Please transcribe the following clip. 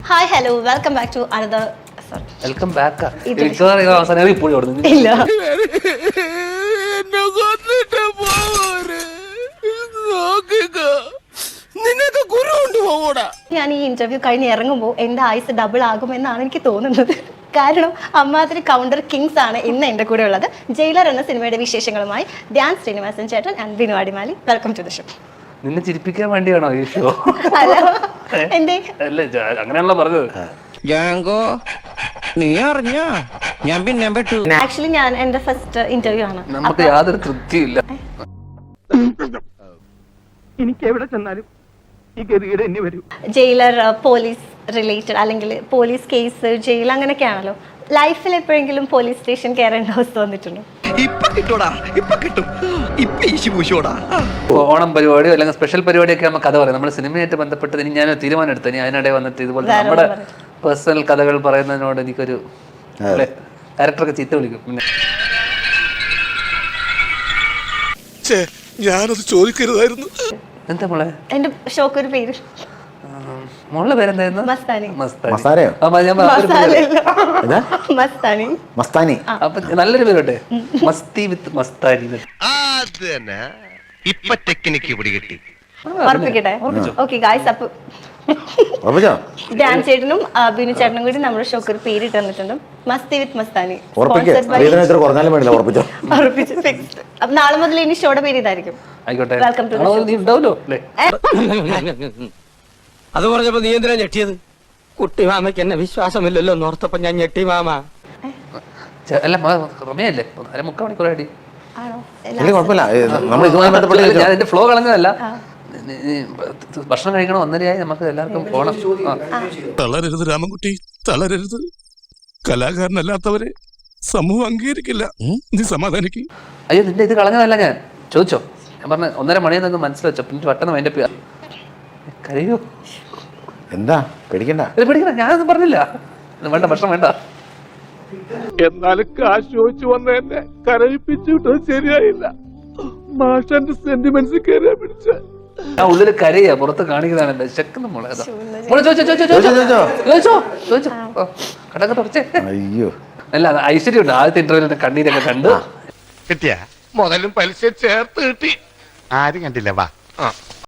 Hi hello welcome back to another welcome back. അവസാനം ഇപ്പോഴും ഓടുന്നു. ഇല്ല ഞാൻ ഈ ഇന്റർവ്യൂ കഴിഞ്ഞ് ഇറങ്ങുമ്പോൾ എന്റെ ആയുസ് ഡബിൾ ആകുമെന്നാണ് എനിക്ക് തോന്നുന്നത്. കാരണം അമ്മാതിരി കൗണ്ടർ കിങ്സ് ആണ് ഇന്ന് എന്റെ കൂടെ ഉള്ളത്. ജയിലർ എന്ന സിനിമയുടെ വിശേഷങ്ങളുമായി ധ്യാൻ ശ്രീനിവാസൻ ചേട്ടൻ and Binu Adimali. Welcome to the show. നിന്നെ ചിരിപ്പിക്കാൻ വേണ്ടിയാണോ ഈ ഷോ? അല്ല എന്തേ അല്ല, അങ്ങനെയാണല്ലോ പറഞ്ഞത്. നീ അറിഞ്ഞ ഞാൻ പിന്നെ പെട്ടു. ആക്ച്വലി ഞാൻ എന്റെ ഫസ്റ്റ് ഇന്റർവ്യൂ ആണ്. നമുക്ക് യാതൊരു തൃപ്തിയില്ല. എനിക്ക് എവിടെ ചെന്നാലും ഈ ഗതികേട് എന്നെ വരൂ. ജയിലർ പോലീസ് റിലേറ്റഡ് അല്ലെങ്കിൽ പോലീസ് കേസ് ജയിൽ അങ്ങനെയൊക്കെയാണല്ലോ. ലൈഫിൽ എപ്പോഴെങ്കിലും പോലീസ് സ്റ്റേഷൻ കയറേണ്ട അവസ്ഥ വന്നിട്ടുണ്ടോ? ഇപ്പൊ കിട്ടൂടാ, ഇപ്പൊ കിട്ടും, ഇപ്പൊ ഈശി പൂശോടാ. ഓണം പരിപാടിയോ അല്ലെങ്കിൽ സ്പെഷ്യൽ പരിപാടിയൊക്കെ നമുക്ക് കഥ പറയാം. നമ്മുടെ സിനിമയായിട്ട് ബന്ധപ്പെട്ട് ഇനി ഞാൻ തീരുമാനം എടുത്തു. ഇനി അതിനിടെ വന്നിട്ട് ഇതുപോലെ നമ്മുടെ പേഴ്സണൽ കഥകൾ പറയുന്നതിനോട് എനിക്കൊരു ഡയറക്ടറൊക്കെ ചീത്ത വിളിക്കും. പിന്നെ ഞാനത് ചോദിക്കരുതായിരുന്നു. എന്താ മോളെ എന്റെ ഷോക്ക് ഒരു പേര് മോളുടെ പേരെന്തായിരുന്നു? മസ്താനി. മസ്താനയോ? മസ്താനി. മസ്താനി. അപ്പൊ നല്ലൊരു പേരോട്ടെ, മസ്തി വിത്ത് മസ്താനി. ഇപ്പൊ ടെക്നിക്ക് പിടികിട്ടി. ഉറപ്പിക്കട്ടെ? ഓക്കെ ഗായ്സ്, അപ്പൊ ധ്യാൻ ചേട്ടനും ബിനു ചേട്ടനും കൂടി നമ്മുടെ ഷോക്ക് ഒരു പേര് തന്നിട്ടുണ്ട്, മസ്തി വിത്ത് മസ്താനി. ഉറപ്പിച്ചു, ഫിക്സ്ഡ്. അപ്പൊ നാളെ മുതൽ ഇനി ഷോയുടെ പേര് ഇതായിരിക്കും. ആയിക്കോട്ടെ. വെൽക്കം ടു ഉണ്ടാവല്ലോ അല്ലേ? അത് പറഞ്ഞപ്പോ നീ എന്തിനാ ഞെട്ടിയത്? കുട്ടി മാമയ്ക്ക് എന്നെ വിശ്വാസമില്ലല്ലോ എന്നോർത്തപ്പോ ഞാൻ ഞെട്ടി മാമ. അല്ല റമയല്ലേ, 3/4 മണിക്കൂർ അടി. ആണോ? ഞാൻ എന്റെ ഫ്ലോ കളഞ്ഞതല്ല. ഭക്ഷണം കഴിക്കണം, 1:30 നമുക്ക് എല്ലാവർക്കും പോണം. തളരരുത് രാമൻകുട്ടി, തളരരുത്. കലാകാരനല്ലാത്തവരെ സമൂഹം അംഗീകരിക്കില്ല. നീ സമാധാനിക്ക്. അയ്യോ, നിന്റെ ഇത് കളഞ്ഞതല്ല. ഞാൻ ചോദിച്ചോ, ഞാൻ പറഞ്ഞ 1:30 മണിയെന്നൊന്ന് മനസ്സിൽ പിന്നെ പെട്ടെന്ന് അതിന്റെ കരയോ? എന്താ പേടിക്കണ്ട, പേടിക്കണ്ട, ഞാനൊന്നും പറഞ്ഞില്ല. വേണ്ട, ഭക്ഷണം വേണ്ട. എന്നാലും കാശ് ചോദിച്ചു വന്ന എന്നെ കരയിപ്പിച്ചു വിട്ടത് ശരിയായില്ല. മാഷന്റെ സെന്റിമെന്റ്സ് കയറിയാ പിടിച്ച ഞാൻ ഉള്ളിൽ കരയാ, പുറത്ത് കാണിക്കുന്നതാണ് എന്റെ ശക്കുന്ന മോളെ. ചോദിച്ചോ കടക്കെ തുറച്ചേ. അയ്യോ, അല്ല, ഐശ്വര്യം ഉണ്ട്. ആദ്യത്തെ ഇന്റർവ്യൂവിൽ കണ്ണീരൊക്കെ കണ്ട് കിട്ടിയ മുതലും പലിശ ചേർത്ത് കിട്ടി. ആരും കണ്ടില്ല. വാ.